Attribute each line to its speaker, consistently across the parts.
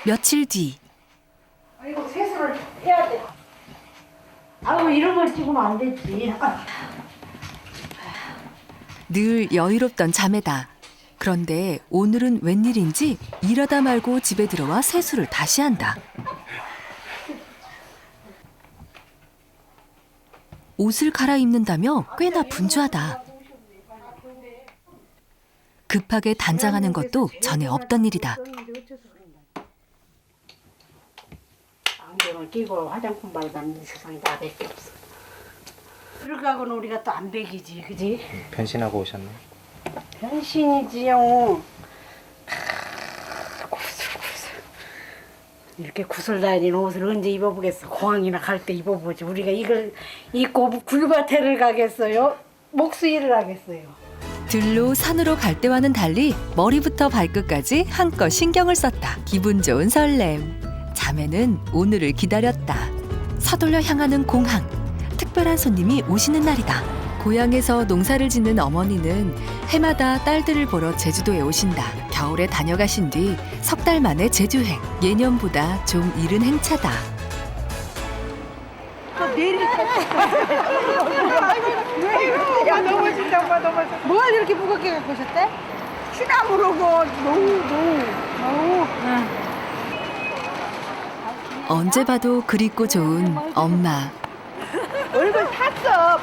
Speaker 1: 며칠 뒤
Speaker 2: 이거 세수를 해야 돼. 아우 이런 걸 찍으면 안 되지.
Speaker 1: 늘 여유롭던 자매다. 그런데 오늘은 웬일인지 일하다 말고 집에 들어와 세수를 다시 한다. 옷을 갈아입는다며 꽤나 분주하다. 급하게 단장하는 것도 전에 없던 일이다.
Speaker 2: 안경을 끼고 화장품 바르다는 세상에 나밖에 없어. 들어가고는 우리가 또 안 배기지, 그지?
Speaker 3: 변신하고 오셨네.
Speaker 2: 변신이지요. 구슬구슬. 이렇게 구슬 다니는 옷을 언제 입어보겠어? 공항이나 갈 때 입어보지. 우리가 이걸 입고 굴밭에를 가겠어요? 목수일을 하겠어요?
Speaker 1: 들로 산으로 갈 때와는 달리 머리부터 발끝까지 한껏 신경을 썼다. 기분 좋은 설렘. 자매는 오늘을 기다렸다. 서둘러 향하는 공항. 특별한 손님이 오시는 날이다. 고향에서 농사를 짓는 어머니는 해마다 딸들을 보러 제주도에 오신다. 겨울에 다녀가신 뒤 석 달 만에 제주행. 예년보다 좀 이른 행차다.
Speaker 2: 야 넘어진다 엄마 넘어져. 뭘 이렇게 무겁게 갖고 오셨대? 시나무로고 노우.
Speaker 1: 언제 봐도 그립고 좋은 엄마.
Speaker 2: 얼굴 탔어.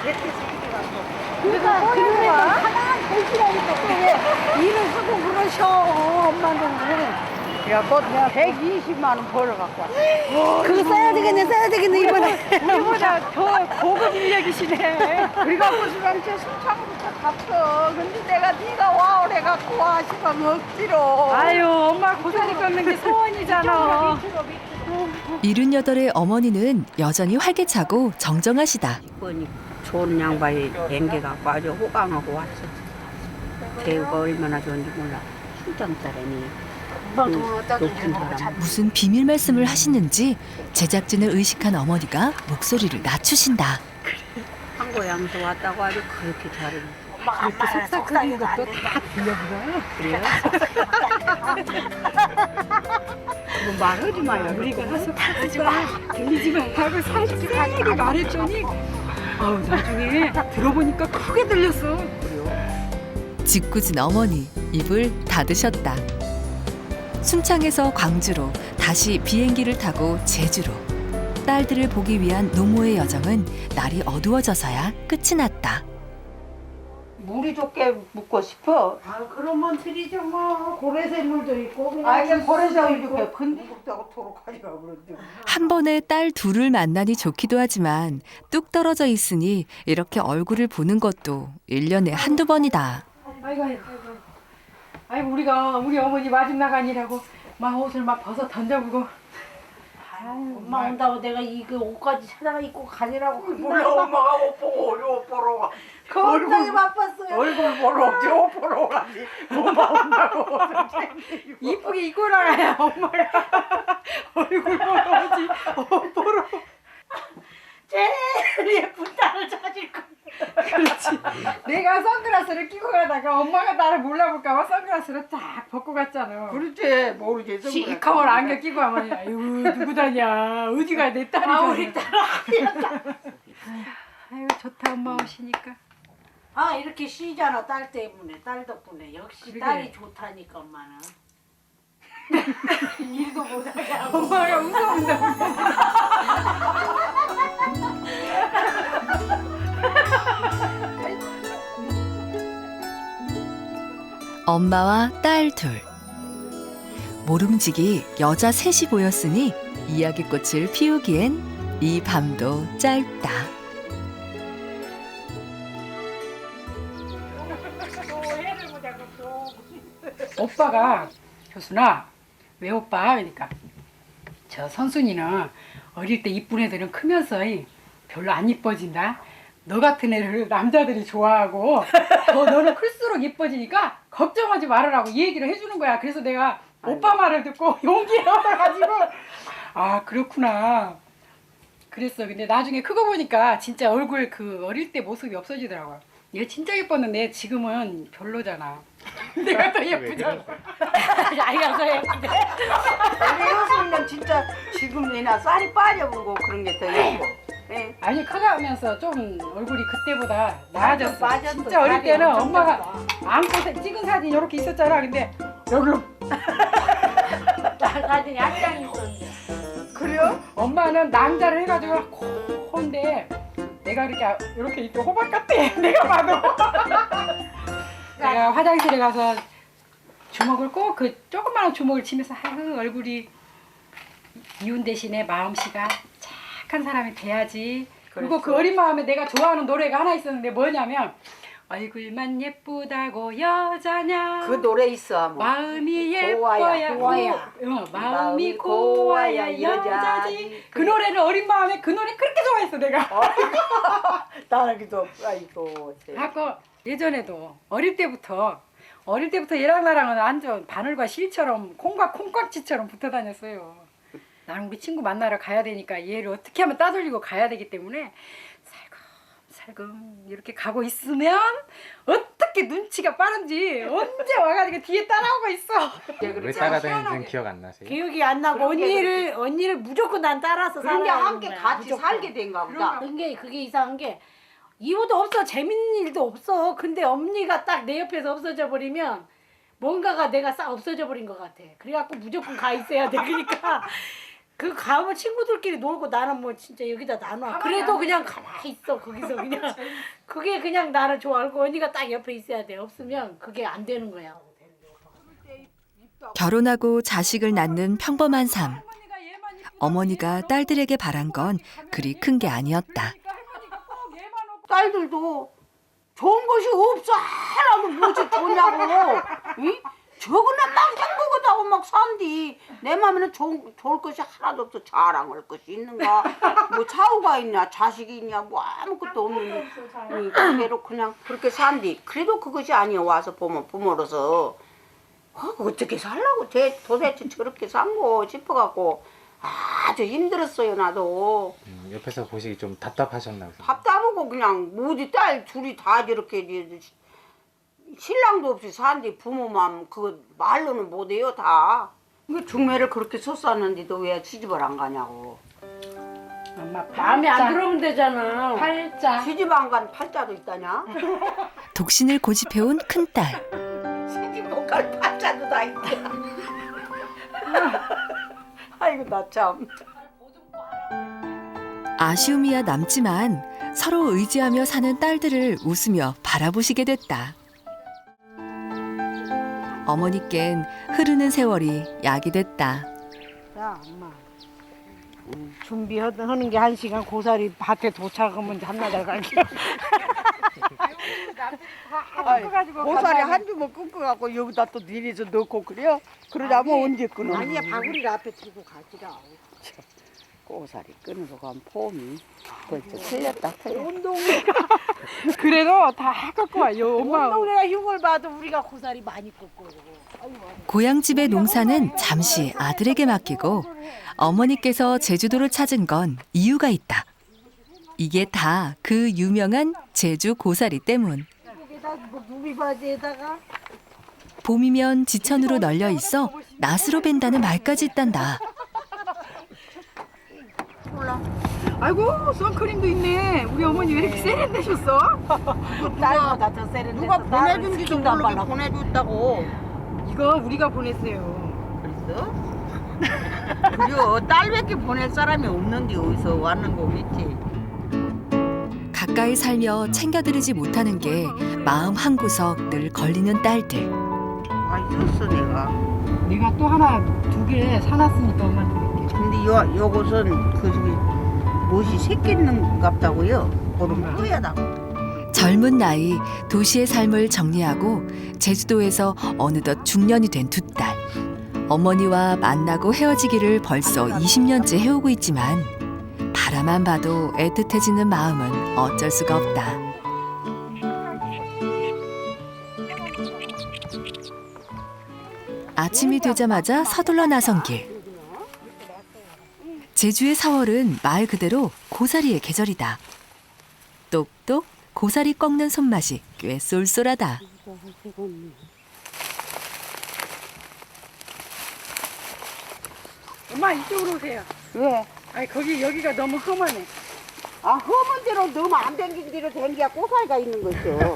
Speaker 2: 그러니까 하나만 보시라니까 왜 일을 하고 그러셔 엄마는. 야너 120만 원 벌어갖고 왔어. 그거 써야 되겠네 이번에. 우리보다 더 고급 인력이시네. 우리가 무슨 제 순창부터 갔어. 근데 내가 네가 와 오래갖고 와 싶으면 억지로.
Speaker 4: 아유 엄마 고사리 꺾는 게 소원이잖아.
Speaker 1: 78의 어머니는 여전히 활기차고 정정하시다.
Speaker 5: 이번이 좋은 양반이 뱅겨갖고 아주 호강하고 왔어. 배우가 얼마나 좋은지 몰라. 순장딸애니 높은 사람.
Speaker 1: 무슨 비밀 말씀을 하시는지 제작진을 의식한 어머니가 목소리를 낮추신다.
Speaker 5: 한고양서 왔다고 아주 그렇게 잘해.
Speaker 2: 그렇게 속삭이는 것도 다 들려보여요.
Speaker 5: 그래요? 뭐 말하지 마요.
Speaker 4: 우리가 하지 마. 들리지만 하고 살짝 말했더니 아우 나중에 들어보니까 크게 들렸어.
Speaker 1: 짓궂은 어머니 입을 닫으셨다. 순창에서 광주로 다시 비행기를 타고 제주로. 딸들을 보기 위한 노모의 여정은 날이 어두워져서야 끝이 났다.
Speaker 5: 물이 좋게 묻고 싶어.
Speaker 2: 아 그러면 드리죠 뭐. 고래샘물도 있고 그냥.
Speaker 5: 아 이게 고래장이
Speaker 2: 있고.
Speaker 5: 이렇게 근육다고 도록 하기가 그런데.
Speaker 1: 한 번에 딸 둘을 만나니 좋기도 하지만 뚝 떨어져 있으니 이렇게 얼굴을 보는 것도 1년에 한두 번이다.
Speaker 4: 아이고 우리 어머니 마지막 아니라고 막 옷을 막 벗어 던져보고.
Speaker 2: 엄마 온다고 내가 이그 옷까지 찾아가 입고 가지라고.
Speaker 5: 몰라 엄마가 옷 보고 옷 보러 가.
Speaker 2: 겁나게 바빴어요.
Speaker 5: 얼굴 보러 오지 옷 보러 가지. 엄마 온다고
Speaker 4: 이쁘게 입고 나가야 엄마가 얼굴 보러 오지 옷 보러.
Speaker 2: 제일 예쁜 딸을 찾을 거야.
Speaker 4: 그렇지. 내가 선글라스를 끼고 가다가 엄마가 나를 몰라볼까봐 선글라스를 딱 벗고 갔잖아.
Speaker 5: 그렇지 모르지.
Speaker 4: 시커먼 안경 끼고 하면 아유 누구다냐 어디가 내 딸이잖아.
Speaker 2: 우리 딸 아니야.
Speaker 4: 아유 좋다 엄마 오시니까.
Speaker 2: 아 이렇게 쉬잖아 딸 때문에 딸 덕분에 역시
Speaker 4: 그러게.
Speaker 2: 딸이 좋다니까 엄마는. 일도 못하게 하고.
Speaker 4: 엄마가 웃어본다.
Speaker 1: 엄마와 딸 둘. 모름지기 여자 셋이 보였으니 이야기꽃을 피우기엔 이 밤도 짧다.
Speaker 4: 오빠가 교수나 왜 오빠? 그러니까 저 선순이는 어릴 때 이쁜 애들은 크면서 별로 안 이뻐진다. 너 같은 애를 남자들이 좋아하고 더 너는 클수록 이뻐지니까 걱정하지 말으라고 이 얘기를 해주는 거야. 그래서 내가 오빠 말을 듣고 용기를 얻어가지고 아 그렇구나 그랬어. 근데 나중에 크고 보니까 진짜 얼굴 그 어릴 때 모습이 없어지더라고요. 얘 진짜 예뻤는데 지금은 별로잖아. 내가 더 예쁘잖아.
Speaker 2: 아이가 더 예쁜데. 진짜 지금 내나 쌀이 빠져보고 그런 게 더 예뻐. 예.
Speaker 4: 아니 커가면서 좀 얼굴이 그때보다 나아졌어.
Speaker 2: 빠졌어.
Speaker 4: 진짜 어릴
Speaker 2: 살이
Speaker 4: 때는
Speaker 2: 엄청
Speaker 4: 엄마가
Speaker 2: 쪘어.
Speaker 4: 안고 찍은 사진 이렇게 있었잖아. 근데 여기로
Speaker 2: 사진이 한 장 있었는데.
Speaker 4: 그래요? 엄마는 낭자를 해가지고 콘데 내가 이렇게 호박 같아. 내가 봐도. 내가 화장실에 가서 주먹을 꼭 그 조그마한 주먹을 치면서 아유 얼굴이 이혼 대신에 마음씨가 착한 사람이 돼야지. 그리고 그 어린 마음에 내가 좋아하는 노래가 하나 있었는데 뭐냐면 얼굴만 예쁘다고 여자냐
Speaker 2: 그 노래 있어. 뭐.
Speaker 4: 마음이
Speaker 2: 고와야,
Speaker 4: 예뻐야
Speaker 2: 고와야.
Speaker 4: 마음이 고와야 여자지. 그 노래를 어린 마음에 그 노래 그렇게 좋아했어 내가.
Speaker 2: 따라기도 아이고.
Speaker 4: 아까 예전에도 어릴 때부터 얘랑 나랑은 완전 바늘과 실처럼 콩과 콩깍지처럼 붙어 다녔어요. 나는 우리 친구 만나러 가야 되니까 얘를 어떻게 하면 따돌리고 가야 되기 때문에 살금 이렇게 가고 있으면 어떻게 눈치가 빠른지 언제 와가지고 뒤에 따라오고 있어.
Speaker 3: 왜 따라다니는지는 기억 안 나세요?
Speaker 6: 기억이 안 나고 언니를 무조건 난 따라서
Speaker 2: 그런 게
Speaker 6: 살아야
Speaker 2: 함께
Speaker 6: 되는 거야,
Speaker 2: 같이
Speaker 6: 무조건.
Speaker 2: 살게 된가 보다.
Speaker 6: 그게 이상한 게 이유도 없어, 재밌는 일도 없어. 근데 언니가 딱 내 옆에서 없어져 버리면 뭔가가 내가 싹 없어져 버린 것 같아. 그래갖고 무조건 가 있어야 돼. 그러니까 그 가면 친구들끼리 놀고 나는 뭐 진짜 여기다 나눠. 그래도 그냥 가만히 있어 거기서 그냥. 그게 그냥 나를 좋아하고 언니가 딱 옆에 있어야 돼. 없으면 그게 안 되는 거야.
Speaker 1: 결혼하고 자식을 낳는 평범한 삶. 어머니가 딸들에게 바란 건 그리 큰 게 아니었다.
Speaker 2: 딸들도 좋은 것이 없어. 하나도 무엇이 좋냐고. 응? 저거는 막 행복하다고 막 산디. 내 맘에는 좋을 것이 하나도 없어. 자랑할 것이 있는가? 뭐 차우가 있냐? 자식이 있냐? 뭐 아무것도 없는데. 그대로 그냥 그렇게 산디. 그래도 그것이 아니야. 와서 보면 부모로서. 어떻게 살라고 도대체 저렇게 산거 싶어갖고 아주 힘들었어요. 나도.
Speaker 3: 옆에서 보시기 좀 답답하셨나 보세요.
Speaker 2: 답답하고 그냥 뭐지 딸 둘이 다 저렇게 신랑도 없이 산디 부모만 그거 말로는 못해요 다. 중매를 그렇게 섰었는데도 왜 시집을 안 가냐고.
Speaker 4: 엄마
Speaker 6: 마음에 안 들어오면 되잖아.
Speaker 4: 팔자.
Speaker 2: 시집 안 간 팔자도 있다냐?
Speaker 1: 독신을 고집해온 큰딸.
Speaker 2: 시집 못 갈 팔자도 다 있다. 아이고 나 참.
Speaker 1: 아쉬움이야 남지만 서로 의지하며 사는 딸들을 웃으며 바라보시게 됐다. 어머니껜 흐르는 세월이 약이 됐다.
Speaker 6: 자, 엄마. 준비하는 게 1시간 고사리 밭에 도착하면 한나절 갈게.
Speaker 2: 고사리 한 주먹 끊고갖고 여기다 또 내려서 넣고 그래요? 그러자면 언제 끊어?
Speaker 6: 아니야, 바구니를 앞에 들고 가지라.
Speaker 2: 고사리 끊으러 간 폼이 벌써 틀렸다.
Speaker 4: 그래도 다 갖고 와요 엄마.
Speaker 6: 운동회가 흉을 봐도 우리가 고사리 많이 꺾고.
Speaker 1: 고향집의 농사는 잠시 아들에게 맡기고 어머니께서 제주도를 찾은 건 이유가 있다. 이게 다 그 유명한 제주 고사리 때문.
Speaker 6: 여기다 뭐 누비바지에다가
Speaker 1: 봄이면 지천으로 널려 있어 낫으로 벤다는 말까지 있단다.
Speaker 4: 아이고 선크림도 있네. 우리 어머니 왜 이렇게 세련되셨어?
Speaker 6: 딸보다 더 세련됐어.
Speaker 2: 누가 보내준지도 모르고 보내줬다고.
Speaker 4: 이거 우리가 보냈어요.
Speaker 2: 그랬어? 그려 딸밖에 보낼 사람이 없는데 어디서 왔는 거겠지.
Speaker 1: 가까이 살며 챙겨드리지 못하는 게 마음 한구석 늘 걸리는 딸들.
Speaker 2: 아 있었어 내가.
Speaker 4: 내가 또 하나 2개 사놨으니까 엄마한테 줄게.
Speaker 2: 근데 요것은 그 저기 무엇이 새끼는 같다고요. 그러면 뿌야다고.
Speaker 1: 젊은 나이 도시의 삶을 정리하고 제주도에서 어느덧 중년이 된 두 딸. 어머니와 만나고 헤어지기를 벌써 20년째 해오고 있지만 바라만 봐도 애틋해지는 마음은 어쩔 수가 없다. 아침이 되자마자 서둘러 나선 길. 제주의 4월은 말 그대로 고사리의 계절이다. 똑똑 고사리 꺾는 손맛이 꽤 쏠쏠하다.
Speaker 4: 엄마 이쪽으로 오세요.
Speaker 2: 왜?
Speaker 4: 아니 거기 여기가 너무 험하네.
Speaker 2: 아, 험한 데로 너무 안 댕긴 데로 댕기야 꼬살가 있는 거죠.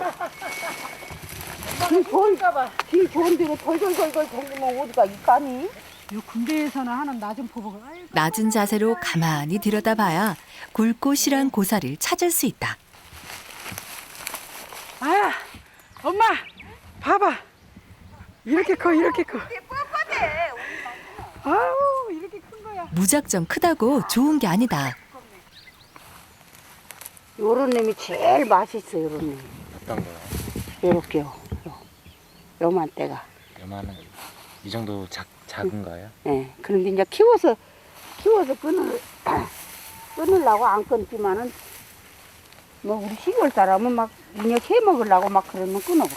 Speaker 2: 길 좋은 데로 덜덜덜덜 댕기면 어디가 있까니?
Speaker 4: 요 군대에서나 하는 낮은 포복을. 아이고.
Speaker 1: 낮은 자세로 가만히 들여다봐야 굵고 실한 고사리를 찾을 수 있다.
Speaker 4: 아, 엄마, 봐봐. 이렇게 커, 이렇게 커. 아우, 이렇게 큰 거야.
Speaker 1: 무작정 크다고 좋은 게 아니다.
Speaker 2: 요런 놈이 제일 맛있어, 요런 놈이.
Speaker 3: 어떤 거요?
Speaker 2: 요렇게요. 요만 때가.
Speaker 3: 요만한 이 정도 작은 거예요?
Speaker 2: 예. 그런데 이제 키워서 끊으려고 안 끊지만은, 뭐, 우리 시골 사람은 막, 인력 해 먹으려고 막 그러면 끊어.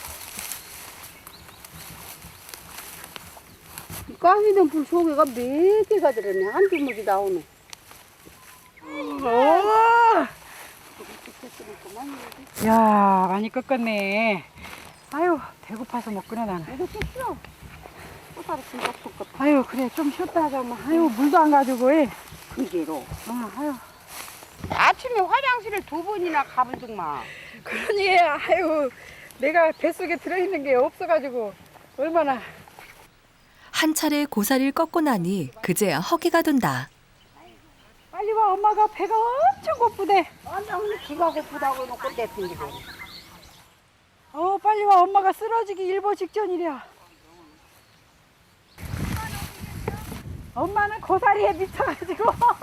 Speaker 2: 이 까미는 불 속에가 몇 개가 들었네. 한 주먹이 나오네.
Speaker 4: 야, 많이 꺾었네. 아유, 배고파서 못 끊어 나는.
Speaker 2: 이거 좀 쉬어. 꼬다리 진짜 섞었다.
Speaker 4: 아유, 그래, 좀 쉬었다 하자, 엄마. 아유, 물도 안 가지고, 해.
Speaker 2: 그게로.
Speaker 4: 아유.
Speaker 2: 아침에 화장실을 2번이나 가본 적만.
Speaker 4: 그러니, 아유, 내가 뱃속에 들어있는 게 없어가지고, 얼마나.
Speaker 1: 한 차례 고사리를 꺾고 나니 그제야 허기가 돈다.
Speaker 4: 빨리 와, 엄마가 배가 엄청 고프대.
Speaker 2: 완전 기가 고프다고 해놓고 떼핀지고.
Speaker 4: 빨리 와, 엄마가 쓰러지기 일보 직전이랴. 엄마는 고사리에 미쳐가지고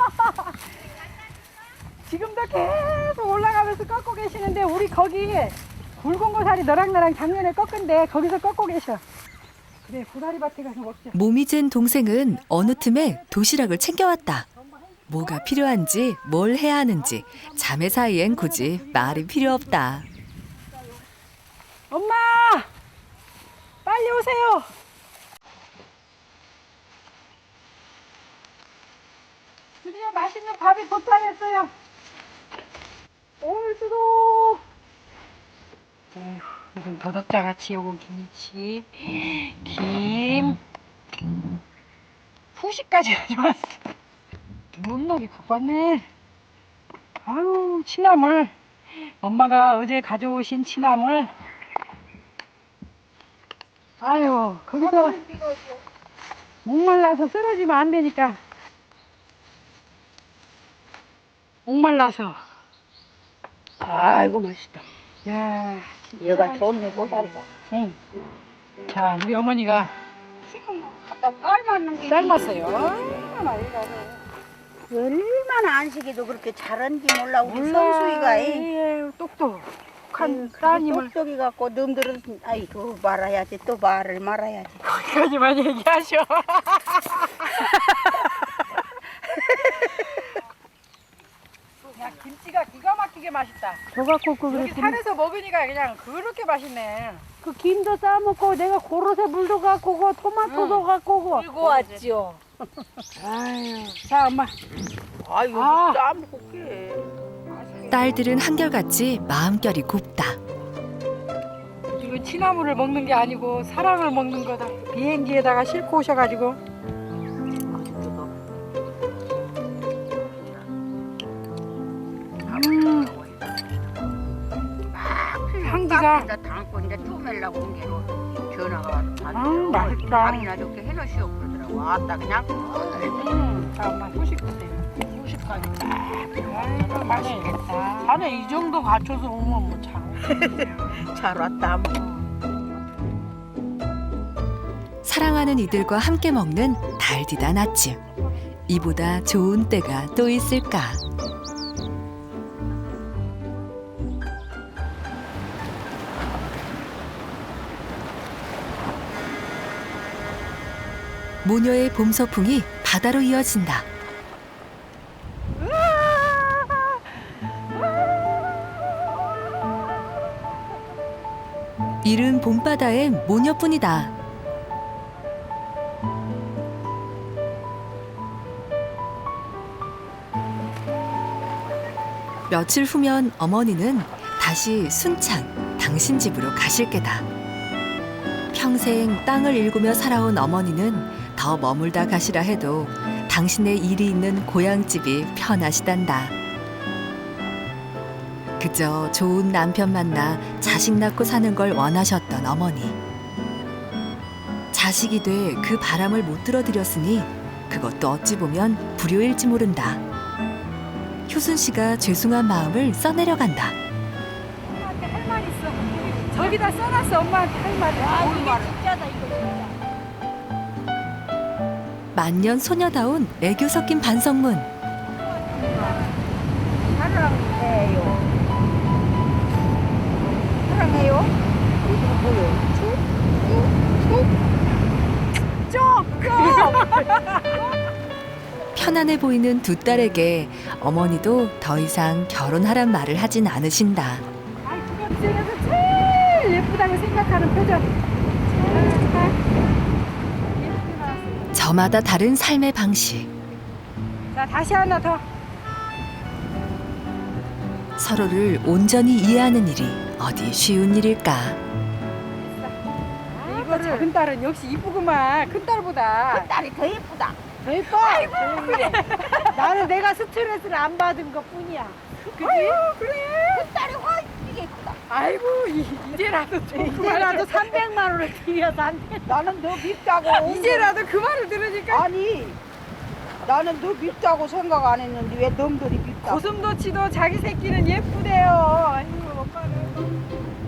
Speaker 4: 지금도 계속 올라가면서 꺾고 계시는데 우리 거기 굵은 고사리 너랑 나랑 작년에 꺾은데 거기서 꺾고 계셔. 그래, 고사리밭에 가서 먹자.
Speaker 1: 몸이 잰 동생은 어느 틈에 도시락을 챙겨왔다. 뭐가 필요한지 뭘 해야 하는지 자매 사이엔 굳이 말이 필요 없다.
Speaker 4: 엄마! 빨리 오세요. 드디어 맛있는 밥이 도착했어요. 올수도. 무슨 도덕자 같이 요거 김치, 김, 후식까지 가져왔어. 못나게 갖고 왔네. 아유, 취나물. 엄마가 어제 가져오신 취나물. 아유, 거기서 목말라서 쓰러지면 안 되니까. 목말라서.
Speaker 2: 아이고, 맛있다.
Speaker 4: 야,
Speaker 2: 얘가 좋네, 꼬다리가.
Speaker 4: 응. 자, 우리 어머니가
Speaker 2: 아까 삶았는 게.
Speaker 4: 삶았어요.
Speaker 2: 얼마나 안식이도 그렇게 잘한지 몰라, 우리 성수이가.
Speaker 4: 예, 똑똑한 따님을
Speaker 2: 똑똑이 갖고 놈들은, 아이고, 말아야지, 또 말을 말아야지.
Speaker 4: 거기까지만 얘기하셔. 야, 김치가 기가 막히게 맛있다.
Speaker 2: 저 갖고 그
Speaker 4: 여기 산에서 먹으니까 그냥 그렇게 맛있네.
Speaker 2: 그 김도 싸먹고 내가 고로쇠 물도 갖고 오고 토마토도 갖고 오고.
Speaker 6: 들고 왔죠.
Speaker 4: 아유, 자, 엄마.
Speaker 2: 아이고,
Speaker 4: 아.
Speaker 2: 싸먹게.
Speaker 1: 딸들은 한결같이 마음결이 곱다.
Speaker 4: 이거 취나물을 먹는 게 아니고 사랑을 먹는 거다. 비행기에다가 싣고 오셔가지고. 향기가.
Speaker 2: 담고 이제 쪼매려고 온 게로 전화가 와서
Speaker 4: 맛있다.
Speaker 2: 밥이나 좋게 해놓으시오 그러더라고. 아따 그냥.
Speaker 4: 자, 엄마 후식 드세요. 후식까지 딱. 아이고, 맛있겠다. 자네 이 정도 갖춰서 오면 뭐 참.
Speaker 2: 잘 왔다.
Speaker 1: 사랑하는 이들과 함께 먹는 달디단 아침. 이보다 좋은 때가 또 있을까? 모녀의 봄 서풍이 바다로 이어진다. 이른 봄바다엔 모녀뿐이다. 며칠 후면 어머니는 다시 순창 당신 집으로 가실 게다. 평생 땅을 일구며 살아온 어머니는 더 머물다 가시라 해도 당신의 일이 있는 고향집이 편하시단다. 그저 좋은 남편 만나 자식 낳고 사는 걸 원하셨던 어머니. 자식이 돼 그 바람을 못 들어드렸으니 그것도 어찌 보면 불효일지 모른다. 효순 씨가 죄송한 마음을 써내려간다.
Speaker 4: 엄마한테 할 말 있어. 저기다 써놨어. 엄마한테 할 말이.
Speaker 6: 진짜다 이거 진짜.
Speaker 1: 만년 소녀다운 애교 섞인 반성문.
Speaker 2: 사랑해요. 사랑해요. 이거 뭐예요?
Speaker 1: 편안해 보이는 두 딸에게 어머니도 더 이상 결혼하란 말을 하진 않으신다.
Speaker 4: 아이 그거 중에서 제일 예쁘다고 생각하는 표정. 이렇게 나왔어요.
Speaker 1: 저마다 다른 삶의 방식.
Speaker 4: 자 다시 하나 더.
Speaker 1: 서로를 온전히 이해하는 일이 어디 쉬운 일일까?
Speaker 4: 이거 작은 딸은 역시 이쁘구만. 큰 딸보다.
Speaker 2: 딸이 더 예쁘다.
Speaker 6: 더 예뻐. 그래. 나는 내가 스트레스를 안 받은 것 뿐이야.
Speaker 4: 그지? 그래.
Speaker 2: 딸이 훨씬 예쁘다.
Speaker 4: 아이고 이제라도
Speaker 6: 이제라도 300만 원을 드려서 안 돼.
Speaker 2: 나는 너 밉다고.
Speaker 4: 이제라도 그 말을 들으니까
Speaker 2: 아니, 나는 너 밉다고 생각 안 했는데 왜 놈들이 밉다고.
Speaker 4: 고슴도치도 자기 새끼는 예쁘대요. 아이고 엄마는.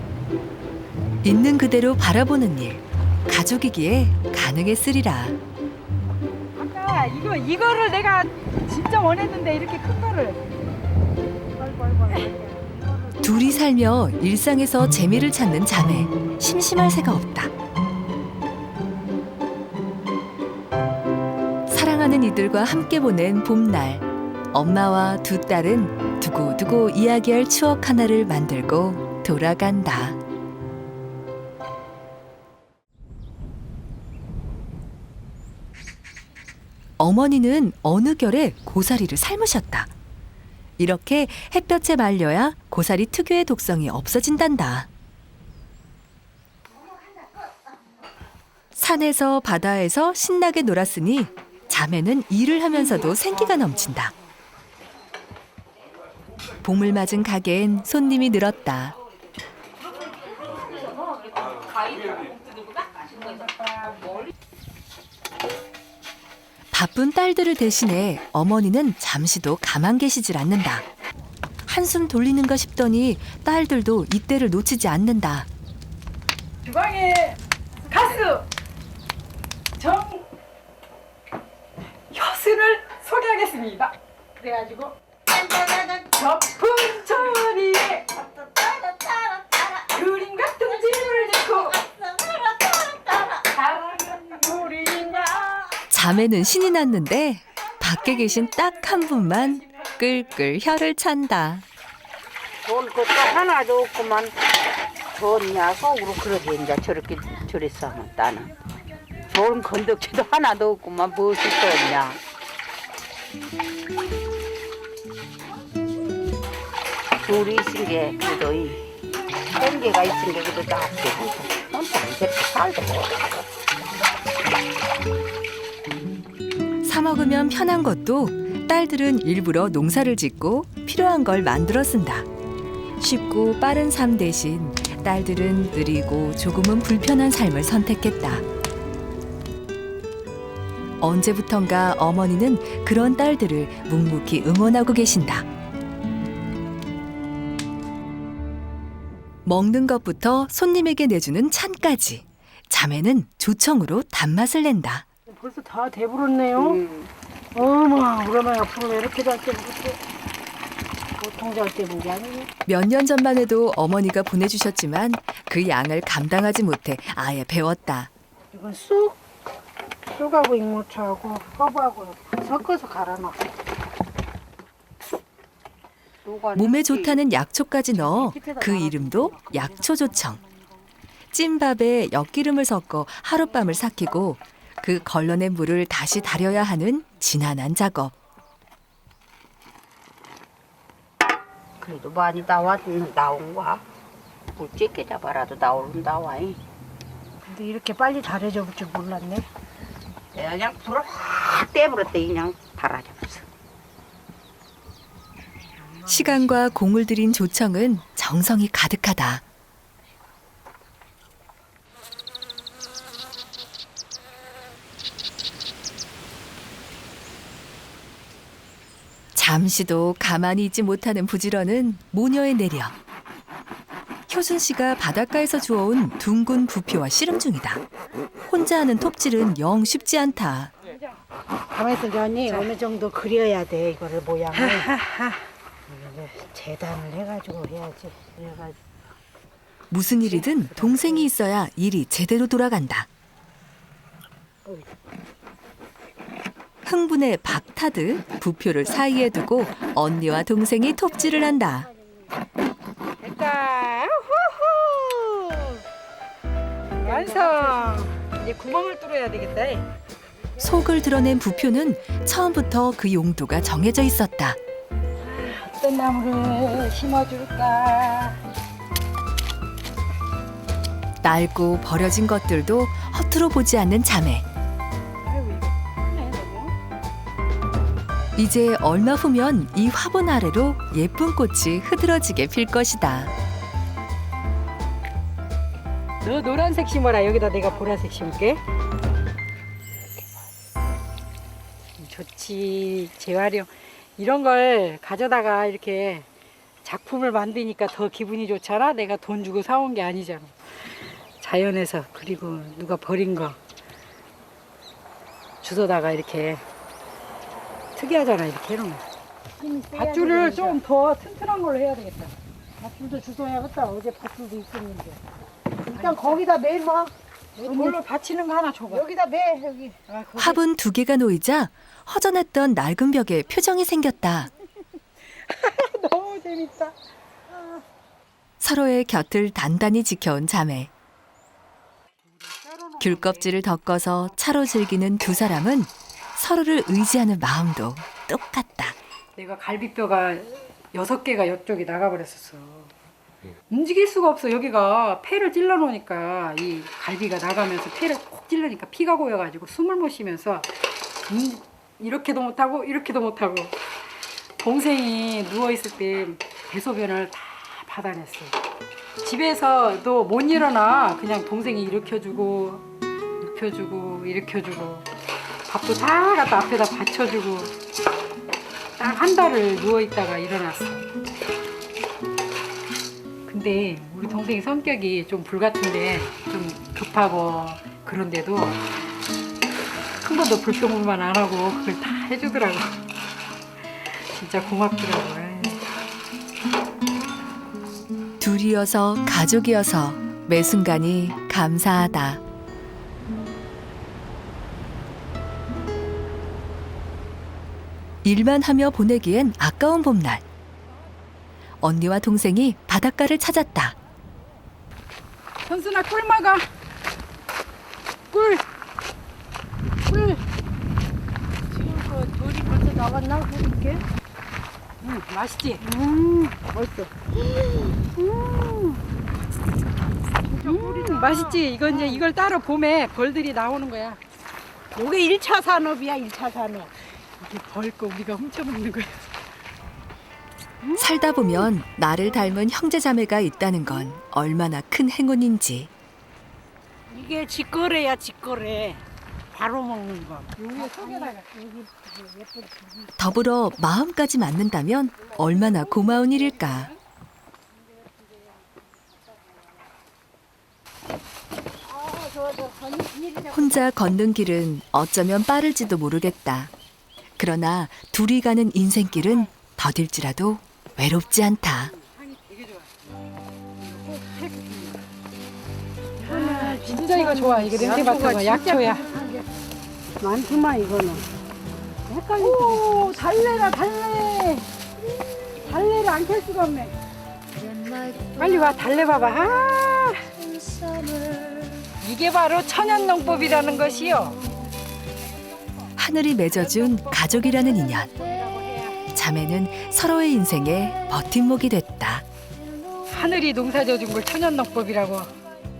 Speaker 1: 있는 그대로 바라보는 일. 가족이기에 가능했으리라.
Speaker 4: 아까 이거를 내가 진짜 원했는데 이렇게 큰 거를. 아이고.
Speaker 1: 둘이 살며 일상에서 재미를 찾는 자매. 심심할 새가 없다. 사랑하는 이들과 함께 보낸 봄날. 엄마와 두 딸은 두고두고 이야기할 추억 하나를 만들고 돌아간다. 어머니는 어느 결에 고사리를 삶으셨다. 이렇게 햇볕에 말려야 고사리 특유의 독성이 없어진단다. 산에서 바다에서 신나게 놀았으니 자매는 일을 하면서도 생기가 넘친다. 봄을 맞은 가게엔 손님이 늘었다. 바쁜 딸들을 대신해 어머니는 잠시도 가만 계시질 않는다. 한숨 돌리는가 싶더니 딸들도 이때를 놓치지 않는다.
Speaker 4: 주방에 가수 정효순을 소개하겠습니다. 그래가지고 저풍천이에 그림 같은 집을 짓고 사랑은 우리가.
Speaker 1: 자매는 신이 났는데 밖에 계신 딱 한 분만 끌끌 혀를 찬다.
Speaker 2: 돈 것도 하나도 없구만. 좋냐 속으로 그러게 이제 저렇게 저랬어 하면 나는 좋은 건덕지도 하나도 없구만. 무엇이 좋냐. 둘이 있은 게 그래도 이 생계가 있은 게 그래도 낫지. 혼자 이렇게 살도
Speaker 1: 사 먹으면 편한 것도 딸들은 일부러 농사를 짓고 필요한 걸 만들어 쓴다. 쉽고 빠른 삶 대신 딸들은 느리고 조금은 불편한 삶을 선택했다. 언제부턴가 어머니는 그런 딸들을 묵묵히 응원하고 계신다. 먹는 것부터 손님에게 내주는 찬까지 자매는 조청으로 단맛을 낸다.
Speaker 6: 벌써 다 돼버렸네요. 어머, 우리 엄마 앞으로 왜 이렇게 잘 때문에 보통 잘 때문 게 아니네.
Speaker 1: 몇 년 전만 해도 어머니가 보내주셨지만 그 양을 감당하지 못해 아예 배웠다.
Speaker 6: 이건 쑥하고 익무초하고 허브하고 섞어서 갈아놨어.
Speaker 1: 몸에 좋다는 약초까지 넣어 그 이름도 약초조청. 찐밥에 엿기름을 섞어 하룻밤을 삭히고 그 걸러낸 물을 다시 달여야 하는 지난한 작업.
Speaker 2: 그래도 많이 나온 거야. 물 찌게 잡아라도 나와.
Speaker 6: 근데 이렇게 빨리 잘해져 볼 줄 몰랐네.
Speaker 2: 내가 그냥 불을 확 싹 떼버렸대 그냥 달아잡았어.
Speaker 1: 시간과 공을 들인 조청은 정성이 가득하다. 잠시도 가만히 있지 못하는 부지런은 모녀의 내력. 효순 씨가 바닷가에서 주워온 둥근 부피와 씨름 중이다. 혼자 하는 톱질은 영 쉽지 않다.
Speaker 6: 가만있어 언니 어느 정도 그려야 돼 이거를 모양을. 이거를 재단을 해가지고 해야지. 그래가지고
Speaker 1: 무슨 일이든 동생이 있어야 일이 제대로 돌아간다. 흥분에 박타듯 부표를 사이에 두고 언니와 동생이 톱질을 한다.
Speaker 4: 됐다. 후후. 완성. 이제 구멍을 뚫어야 되겠다.
Speaker 1: 속을 드러낸 부표는 처음부터 그 용도가 정해져 있었다.
Speaker 4: 어떤 나무를 심어줄까?
Speaker 1: 낡고 버려진 것들도 허투루 보지 않는 자매.
Speaker 4: 아이고 이거 크네 너무.
Speaker 1: 이제 얼마 후면 이 화분 아래로 예쁜 꽃이 흐드러지게 필 것이다.
Speaker 4: 너 노란색 심어라. 여기다 내가 보라색 심을게. 좋지. 재활용. 이런 걸 가져다가 이렇게 작품을 만드니까 더 기분이 좋잖아. 내가 돈 주고 사온 게 아니잖아. 자연에서 그리고 누가 버린 거 주워다가 이렇게 특이하잖아. 이렇게 해놓으면. 밧줄을 좀 더 튼튼한 걸로 해야 되겠다.
Speaker 6: 밧줄도 주워야겠다. 어제 밧줄도 있었는데. 일단 거기다 매봐.
Speaker 4: 돌로 받치는 거 하나 줘봐.
Speaker 6: 여기다 매 여기.
Speaker 4: 아, 거기
Speaker 1: 화분 2개가 놓이자 허전했던 낡은 벽에 표정이 생겼다.
Speaker 4: 너무 재밌다.
Speaker 1: 서로의 곁을 단단히 지켜온 자매. 귤껍질을 덮어서 차로 즐기는 두 사람은 서로를 의지하는 마음도 똑같다.
Speaker 4: 내가 갈비뼈가 6개가 이쪽에 나가버렸었어. 움직일 수가 없어. 여기가 폐를 찔러 놓으니까 이 갈비가 나가면서 폐를 콕 찔르니까 피가 고여가지고 숨을 못 쉬면서 이렇게도 못하고 이렇게도 못하고 동생이 누워있을 때 대소변을 다 받아냈어. 집에서도 못 일어나. 그냥 동생이 일으켜주고 눕혀주고 일으켜주고 밥도 다 갖다 앞에다 받쳐주고 딱 한 달을 누워있다가 일어났어. 근데 우리 동생이 성격이 좀 불같은데 좀 급하고 그런데도 한 번도 불평만 안 하고 그걸 다 해주더라고. 진짜 고맙더라고.
Speaker 1: 둘이어서 가족이어서 매 순간이 감사하다. 일만 하며 보내기엔 아까운 봄날. 언니와 동생이 바닷가를 찾았다.
Speaker 4: 선순아 꿀 먹어. 꿀.
Speaker 6: 지금 돌이 벌써 나왔나? 그렇게?
Speaker 4: 응, 맛있지?
Speaker 6: 벌써.
Speaker 4: 맛있지? 이건 이제 이걸 따로 봄에 벌들이 나오는 거야.
Speaker 6: 요게 1차 산업이야 1차 산업.
Speaker 4: 이게 벌 거 우리가 훔쳐 먹는 거야.
Speaker 1: 살다 보면 나를 닮은 형제자매가 있다는 건 얼마나 큰 행운인지.
Speaker 6: 이게 직거래야 직거래. 바로 먹는 거.
Speaker 4: 여기 속에다가
Speaker 1: 더불어 마음까지 맞는다면 얼마나 고마운 일일까. 혼자 걷는 길은 어쩌면 빠를지도 모르겠다. 그러나 둘이 가는 인생길은 더딜지라도 외롭지 않다.
Speaker 4: 진짜 이거 좋아. 이거 냄새 맡은 거 약초야.
Speaker 6: 많구만 이거는.
Speaker 4: 오, 달래라 달래. 달래를 안 캘 수가 없네. 빨리 와 달래 봐봐. 아, 이게 바로 천연농법이라는 것이요.
Speaker 1: 하늘이 맺어준 가족이라는 인연. 자매는 서로의 인생에 버팀목이 됐다.
Speaker 4: 하늘이 농사져준 걸 천연농법이라고.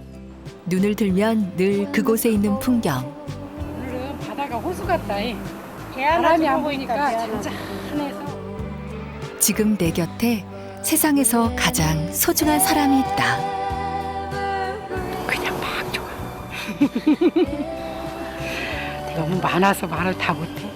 Speaker 1: 눈을 들면 늘 그곳에 있는 풍경.
Speaker 4: 오늘은 바다가 호수 같다. 바람이 안 부니까 잔잔해서.
Speaker 1: 지금 내 곁에 세상에서 가장 소중한 사람이 있다.
Speaker 4: 그냥 막 좋아. 너무 많아서 말을 다 못해.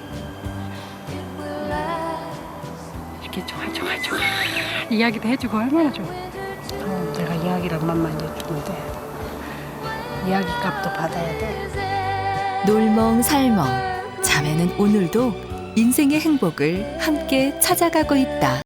Speaker 4: 이렇게 좋아 이야기도 해주고 얼마나 좋아.
Speaker 2: 내가 이야기를 만만 해주는데 이야기 값도 받아야 돼.
Speaker 1: 놀멍살멍 자매는 오늘도 인생의 행복을 함께 찾아가고 있다.